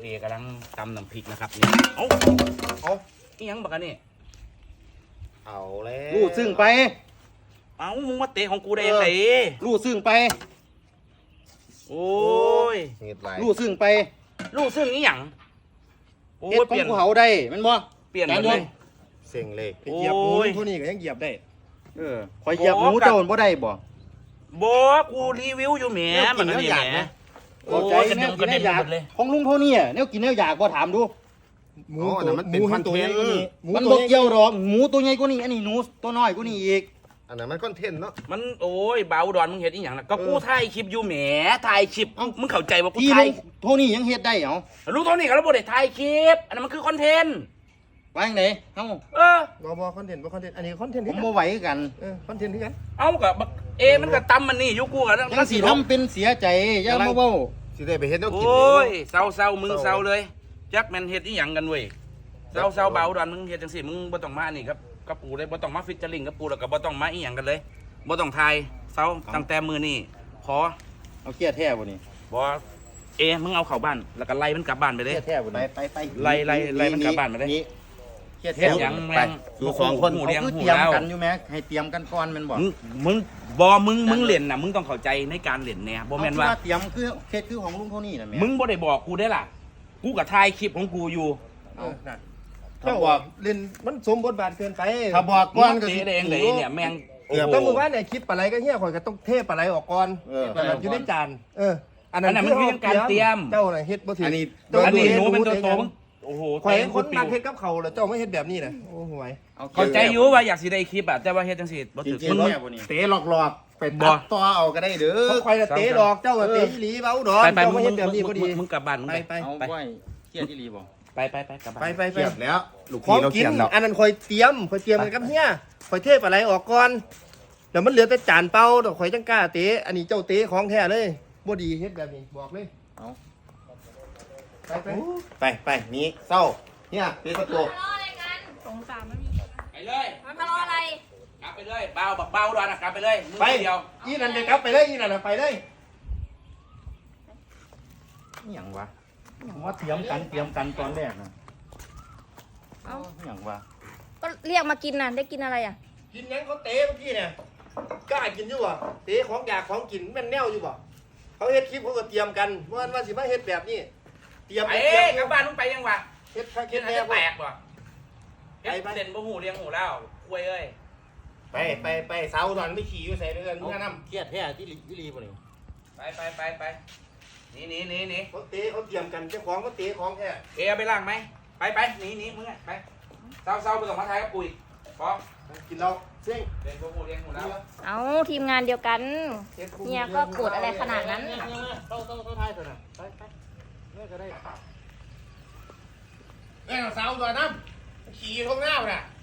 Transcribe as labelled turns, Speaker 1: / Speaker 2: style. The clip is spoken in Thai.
Speaker 1: กำลังตำน้ำพริกนะครับนี่เอาอีหยังบักอันนี่
Speaker 2: เอาแล้ว
Speaker 3: รู้ซึ่งไป
Speaker 1: เอามึงมาเตะของกูได้ยังไง
Speaker 3: รู้ซึ่งไป
Speaker 1: โอ้ย
Speaker 3: รู้ซึ่งไป
Speaker 1: รู้ซึ่งอีหยัง
Speaker 3: โอ้ยเปลี่ยนเขาได้มันบ่
Speaker 1: เปลี่ยนเลย
Speaker 2: เซ็งเลย
Speaker 4: เหยียบหมูเท่านี้ก็ยังเหยียบได้
Speaker 3: คอยเหยียบหมูเจ้าบ่ได้บ่
Speaker 1: กูรีวิวอยู่แหมมันนี่แหม
Speaker 3: โอ้ยกระเด็นเลยของลุงเท่านี้เนี่ยกินแล้วอยากบ่ถามดู
Speaker 2: หมูมันเป็นคอนเทนต์
Speaker 3: มันบ่เกี่ยวหรอกหมูตัวใหญ่กว่านี้อันนี้หนูตัวน้อยกว่านี้อีก
Speaker 2: อันนั้นมันคอนเทนต์เนาะ
Speaker 1: มันโอ้ยเบาดอนมึงเห็นอีหยังล่ะก็กูถ่ายคลิปอยู่แหมถ่ายคลิปมึงเข้าใจว่ากูถ่าย
Speaker 3: เท่านี้ยังเฮ็ดได้เหรอ
Speaker 1: รู้เท่านี้ก็แล้วบ่ได้ถ่ายคลิปอันนั้นมันคือคอนเทนต์
Speaker 3: ว่าจังได๋เฮา
Speaker 4: บ่คอนเทนต์อันนี้คอนเทนต์
Speaker 3: ผมบ่ไหวกัน
Speaker 4: คอนเทนต์คือกัน
Speaker 1: เอาก็มันก็ตำมันนี่อยู่กูก็
Speaker 3: ยังสิทำเป็นเสียใจอย่ามาเว้า
Speaker 2: สิได้ไปเฮ็ดแนวกิน
Speaker 1: โอ้ยเศร้ามึงเศร้าเลยจักแม่นเฮ็ดอีหยังกันเว้ยเศร้าเบาดอนมึงเฮ็ดจังซี่มึงบ่ต้องมานี่ครับกับกูเลยบ่ต้องมาฟิชเชอร์ลิงกับกูแล้วก็บ่ต้องมาอีหยังกันเลยบ่ต้องถ่ายเศร้าตั้งแต่มื้อนี้ขอ
Speaker 3: เอาเกียร์แท้บ่นี่
Speaker 1: บ่มึงเอาเข้าบ้านแล้วก็ไล่มันกลับบ้านไปเด้
Speaker 3: เกียร์แท้บ่นี่ไป
Speaker 1: ไล่มันกลับบ้านไปเด้
Speaker 3: เกียร์แท้
Speaker 1: ยังแม่ง
Speaker 2: อยู่2คน
Speaker 3: เตรียมกันอยู่แม้ให้เตรียมกันก่อนแม่นบ่
Speaker 1: มึงเล่นน่ะมึงต้องเข้าใจในการเล่นแน่บ่แม่นว่า
Speaker 3: เตรียมคือเคสคือของลุงเท่านี้น่ะแม่
Speaker 1: มึงบ่ได้บอกกูได้ล่ะกูก็ถ่ายคลิปของกูอยู่
Speaker 4: ถ้าบอกเล่นมันสมบทบาทเกินไป
Speaker 3: ถ้าบอกก่อนก็
Speaker 1: สิได้เองเลยเนี่ยแม่ง
Speaker 4: ต้องมือว่าเนี่ยคลิปปลาไหลก็เหี้ยข่อยก็ต้องเทปลาไหลออกก่อนแบบอยู่ในจานอันนั้น
Speaker 1: มันคือการเตรียม
Speaker 4: เจ้าน่ะเฮ็ดบ่ถึง
Speaker 1: อันนี้หนูเป็นตัวโตมึงโอ้โห
Speaker 4: ข่อยคนนักเฮ็ดกับเขาแล้วเจ้าไม่เฮ็ดแบบนี้น่ะโอ้ห่วย
Speaker 1: เข้าใจอยู่ว่าอยากสิได้คลิปอ่ะแต่ว่าเฮ็ดจังซี่บ่ถึกมึง
Speaker 3: เตะหลอกๆไปตัดต่อเอาก็ได้เด้อ
Speaker 4: ข่อยน่ะเตะดอกเจ้าก็เตะอีหลีเว้าดอกเจ้าไม่เฮ็ดแบบนี้บ่ดี
Speaker 1: มึงกลับบ้านมึง
Speaker 3: ไปเอาไว้เกียร์อีหลีบ่
Speaker 1: ไปกลับบ้าน
Speaker 4: ไป
Speaker 2: เกียบแล้ว
Speaker 4: ลูกพี่เราเขียนแล้วอันนั้นข่อยเตรียมกันกับเฮียข่อยเทปลาไหลออกก่อนแล้วมันเหลือแต่จานเปล่าดอกข่อยจังกล้าเตะอันนี้เจ้าเตะของแท้เลยบ่ดีเฮ็ดแบบนี้บอกเลย
Speaker 3: เอา
Speaker 2: ไปนี่เศร้าเนี่ยเตะประตู
Speaker 5: สงสารมันมี
Speaker 1: ไปเลย
Speaker 5: มันทะเลาะอะไร
Speaker 1: กลับไปเลยเบาดอนกลับไปเลย
Speaker 4: ไปเดียวอีนั่นเลยครับไปเลยอีนั่นไปเลย
Speaker 3: นี่หยังวะว่าเตรียมกันตอนแรกนะอย่างวะ
Speaker 5: ก็เรียกมากินน่ะได้กินอะไรอ่ะ
Speaker 4: กินยังเขาเตะเมื่อกี้เนี่ยกล้ากินอยู่บ่เตะของอยากของกินแม่นแนวอยู่บ่เขาเฮ็ดคลิปเขาก็เตรียมกันว่าสิมาเฮ็ดแบบนี้เตรียม
Speaker 1: กลับบ้านมึงไปยังวะ
Speaker 4: เฮ็ด
Speaker 1: ให้แตกบ่เฮ็ดเด่นบ่หูเลี้ยงหูแล้วคุยเอ้ย
Speaker 2: ไปเสาตอนไม่ขี่อยู่ใส่เดือนมึงนำ
Speaker 3: เครียดแท้ที่รีบ่นี่
Speaker 1: ไปนี่
Speaker 4: เขาเตะเขาเตรียมกันเจ้าของเขาเตะของแท้
Speaker 1: เอาไปล้างไหมไปหนีมึงไปเศร้าไปส่งมาไทยกับปุ๋ยพอ
Speaker 4: กินเราเสี่ยง
Speaker 1: เด่นบ่หูเลี้ยงหูแล้ว
Speaker 5: เอาทีมงานเดียวกันเนี่ยก็โกรธอะไรขนาดนั้น
Speaker 4: ต้องท้ายเถอะนะไปเนี่ยก็ได้
Speaker 2: เสาตัวน้ำขี่ท้องหน้าน่ะ